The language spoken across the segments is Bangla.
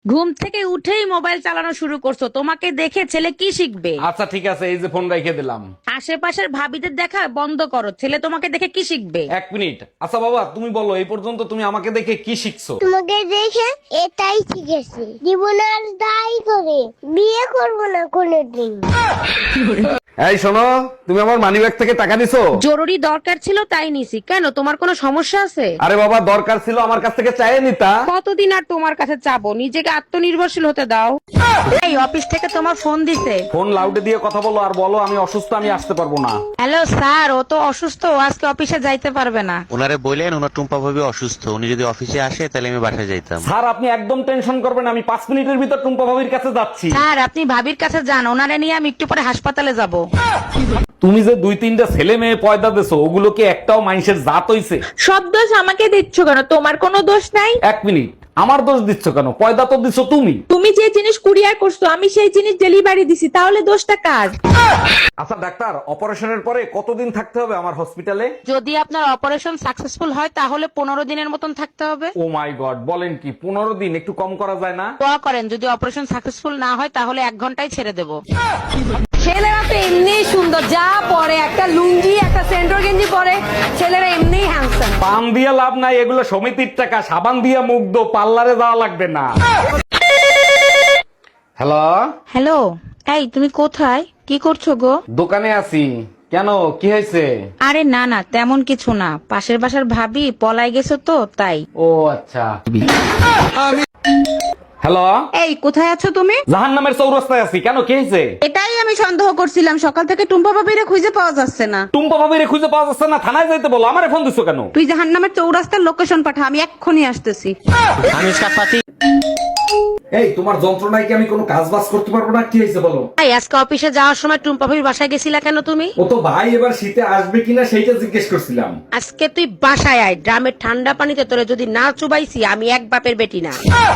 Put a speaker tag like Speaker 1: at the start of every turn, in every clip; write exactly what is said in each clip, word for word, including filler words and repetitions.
Speaker 1: ঘুম থেকে উঠেই মোবাইল চালানো শুরু করছো, তোমাকে দেখে ছেলে কি শিখবে?
Speaker 2: আচ্ছা ঠিক আছে, এই যে ফোন রেখে দিলাম।
Speaker 1: আশেপাশের ভাবিদের দেখা বন্ধ করো, ছেলে তোমাকে দেখে কি শিখবে?
Speaker 2: এক মিনিট। আচ্ছা বাবা, তুমি বলো এই পর্যন্ত তুমি আমাকে দেখে কি শিখছো?
Speaker 3: তোমাকে দেখে এটাই শিখেছি, জীবন আর দায়ী করে বিয়ে করবো না কোনোদিন।
Speaker 2: এই শোনো, তুমি আমার মানিব্যাগ থেকে টাকা দিছো?
Speaker 1: জরুরি দরকার ছিল তাই নিছি। কেন, তোমার কোনো সমস্যা আছে?
Speaker 2: আরে বাবা, দরকার ছিল আমার কাছ থেকে চাইয়ে নিতা।
Speaker 1: কতদিন আর তোমার কাছে চাবো? নিজেকে আত্মনির্ভরশীল হতে দাও। এই অফিস থেকে তোমার ফোন দিছে।
Speaker 2: ফোন লাউডে দিয়ে কথা বলো আর বলো আমি অসুস্থ, আমি আসতে পারবো না।
Speaker 1: হ্যালো স্যার, ও তো অসুস্থ, ও আজকে অফিসে যাইতে পারবে না।
Speaker 4: ওনারে বললেন ওনার টুম্পা ভাবি অসুস্থ, উনি যদি অফিসে আসে তাহলে আমি বাসায় যাইতাম।
Speaker 2: স্যার আপনি একদম টেনশন করবেন না, আমি পাঁচ মিনিটের ভিতর টুম্পা ভাবির কাছে যাচ্ছি।
Speaker 1: স্যার আপনি ভাবির কাছে যান, ওনারে নিয়ে আমি একটু পরে হাসপাতালে যাব।
Speaker 2: তুমি যে দুই তিনটা ছেলে মেয়ে পয়দা দেছো, ওগুলো কি একটাও মানুষের জাত হইছে?
Speaker 5: সব দোষ আমাকে দিচ্ছ কেন? তোমার কোনো দোষ নাই।
Speaker 2: এক মিনিট, আমার দোষ দিচ্ছ কেন? পয়দা তো দিছো তুমি।
Speaker 5: তুমি যে জিনিস কুরিয়ার করছো আমি সেই জিনিস ডেলিভারি দিছি, তাহলে দোষটা কার?
Speaker 2: আচ্ছা ডাক্তার, অপারেশনের পরে কতদিন থাকতে হবে আমার হসপিটালে?
Speaker 1: যদি আপনার অপারেশন সাকসেসফুল হয় তাহলে পনেরো দিনের মতন থাকতে হবে।
Speaker 2: ও মাই গড, বলেন কি? পনেরো দিন? একটু কম করা যায় না?
Speaker 1: দোয়া করেন যদি অপারেশন সাকসেসফুল না হয় তাহলে এক ঘন্টায় ছেড়ে দেবো।
Speaker 6: ছেলেরা তো এমনি সুন্দর, যা পরে একটা লুঙ্গি একটা সেন্টর গেঞ্জি পরে ছেলেরা এমনি হ্যান্ডসাম।
Speaker 2: পান দিয়ে লাভ নাই, এগুলো সমিতির টাকা। সাবান দিয়ে মুখ দো, পার্লারে যাওয়া লাগবে না। হ্যালো,
Speaker 1: হ্যালো, এই তুমি কোথায়, কি করছো গো?
Speaker 2: দোকানে আছি। কেন, কি হয়েছে?
Speaker 1: আরে না না, তেমন কিছু না, পাশের বাসার ভাবি পলাই গেছো তো তাই।
Speaker 2: ও আচ্ছা। হ্যালো,
Speaker 6: এই কোথায় আছো তুমি?
Speaker 2: জাহান নামের চৌরাস্তায় আছি। কেন, কি হয়েছে?
Speaker 6: এটাই আমি সন্দেহ করছিলাম, সকাল থেকে টুম্পা বাবিরে খুঁজে পাওয়া যাচ্ছে না।
Speaker 2: টুম্পা ভাবিরে খুঁজে পাওয়া যাচ্ছে না? থানায় যাইতে বলো, আমারে ফোন দিছো কেন?
Speaker 6: তুই জাহান্নামের চৌরাস্তার লোকেশন পাঠা, আমি এক্ষুনি আসতেছি।
Speaker 2: এই তোমার যন্ত্রণায় কি আমি কোনো কাজ বাজ করতে পারবো না? কি হয়েছে বলো?
Speaker 1: এই আজকে অফিসে যাওয়ার সময় টুম্পা ভাবির বাসায় গেছিলা কেন তুমি?
Speaker 2: ও তো ভাই এবার শীতে আসবে কিনা সেইটা জিজ্ঞেস করছিলাম।
Speaker 1: আজকে তুই বাসায় আয়, ড্রামের ঠান্ডা পানিতে তোরে যদি না চুবাইছি আমি এক বাপের বেটি না।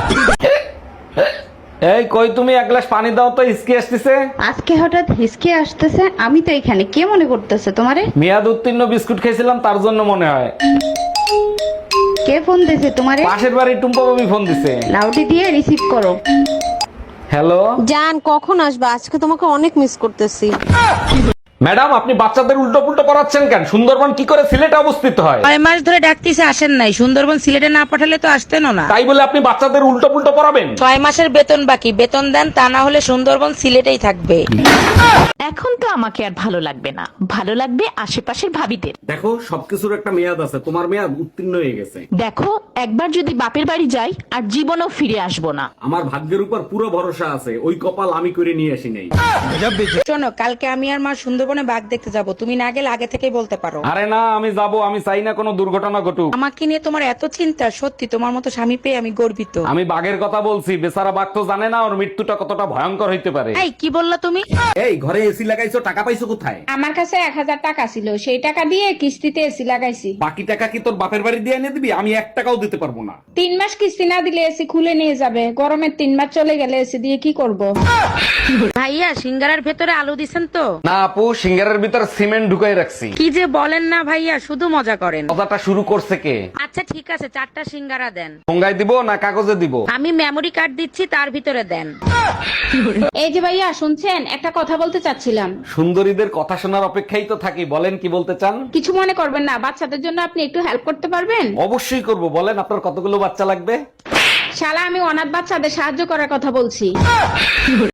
Speaker 2: এই কই তুমি, এক গ্লাস পানি দাও তো, ইসকি আসতেছে।
Speaker 7: আজকে হঠাৎ হিসকে আসতেছে, আমি তো এখানে, কে মনে করতেছে তোমারে?
Speaker 2: মেয়াদ উত্তীর্ণ বিস্কুট খেয়েছিলাম তার জন্য মনে হয়।
Speaker 7: কে ফোন দিছে তোমারে?
Speaker 2: পাশের বাড়ির টুম্পা ভাবি ফোন দিছে।
Speaker 7: লাউডি দিয়ে রিসিভ করো।
Speaker 2: হ্যালো
Speaker 6: জান, কখন আসবা? আজকে তোমাকে অনেক মিস করতেছি।
Speaker 2: ম্যাডাম, আপনি বাচ্চাদের উল্টো পুল্টো পড়াচ্ছেন কেন? সুন্দরবন কি করে সিলেটে অবস্থিত হয়?
Speaker 1: ছয় মাস ধরে ডাকতেছে আসেন নাই, সুন্দরবন সিলেটে না পাঠালে তো আসতেনও না।
Speaker 2: তাই বলে আপনি বাচ্চাদের উল্টো পুল্টো পড়াবেন?
Speaker 1: ছয় মাসের বেতন বাকি, বেতন দেন, তা না হলে সুন্দরবন সিলেটেই থাকবে।
Speaker 8: এখন তো আমাকে আর ভালো লাগবে না, ভালো লাগবে আশেপাশের ভাবিদের।
Speaker 2: দেখো, সবকিছুর একটা মেয়াদ আছে, তোমার মেয়াদ উত্তীর্ণ হয়ে গেছে।
Speaker 8: দেখো, একবার যদি বাপের বাড়ি যাই আর জীবনও ফিরে আসবো না।
Speaker 2: আমার ভাগ্যের উপর পুরো ভরসা আছে, ওই কপাল আমি করে নিয়ে আসি নাই।
Speaker 1: শোনো, কালকে আমি আর মা সুন্দরবনে বাঘ দেখতে যাব, তুমি না গেলে আগে থেকেই বলতে পারো।
Speaker 2: আরে না, আমি যাব, আমি চাই না কোনো দুর্ঘটনা ঘটুক।
Speaker 1: আমাকে নিয়ে তোমার এত চিন্তা, সত্যি তোমার মতো স্বামী পেয়ে আমি গর্বিত।
Speaker 2: আমি বাঘের কথা বলছি, বেচারা বাঘ তো জানে না ওর মৃত্যুটা কতটা ভয়ঙ্কর হইতে পারে।
Speaker 1: এই কি বললা তুমি?
Speaker 2: এই ঘরে এসি লাগাইছো, টাকা পাইছো কোথায়?
Speaker 5: আমার কাছে এক হাজার টাকা ছিল, সেই টাকা দিয়ে কিস্তিতে এসি লাগাইছি।
Speaker 2: বাকি টাকা কি তোর বাপের বাড়ি দিয়ে এনে দিবি? আমি এক টাকাও দিতে পারবো না।
Speaker 5: তিন মাস কিস্তি না দিলে এসি খুলে নিয়ে যাবে, গরমের তিন মাস চলে গেলে এসি দিয়ে কি করব?
Speaker 1: ভাইয়া, সিঙ্গারার ভেতরে আলু দিছেন তো?
Speaker 2: না আপু, সিঙ্গারের ভিতর সিমেন্ট ঢুকাই রাখছি।
Speaker 1: কি যে বলেন না ভাইয়া, শুধু মজা করেন।
Speaker 2: কথাটা শুরু করছে কে?
Speaker 1: আচ্ছা ঠিক আছে, চারটা সিঙ্গারা দেন।
Speaker 2: ঠোঙ্গায় দিব না কাগজে দিব?
Speaker 1: আমি মেমোরি কার্ড দিচ্ছি, তার ভিতরে দেন।
Speaker 5: এই যে ভাইয়া শুনছেন, একটা কথা বলতে চাচ্ছিলাম।
Speaker 2: সুন্দরীদের কথা শোনার অপেক্ষাই তো থাকি, বলেন কি বলতে চান?
Speaker 5: কিছু মনে করবেন না, বাচ্চাদের জন্য আপনি একটু হেল্প করতে পারবেন?
Speaker 2: অবশ্যই করব, বলেন আপনার কতগুলো বাচ্চা লাগবে?
Speaker 5: শালা, আমি অনাথ বাচ্চাদের সাহায্য করার কথা বলছি।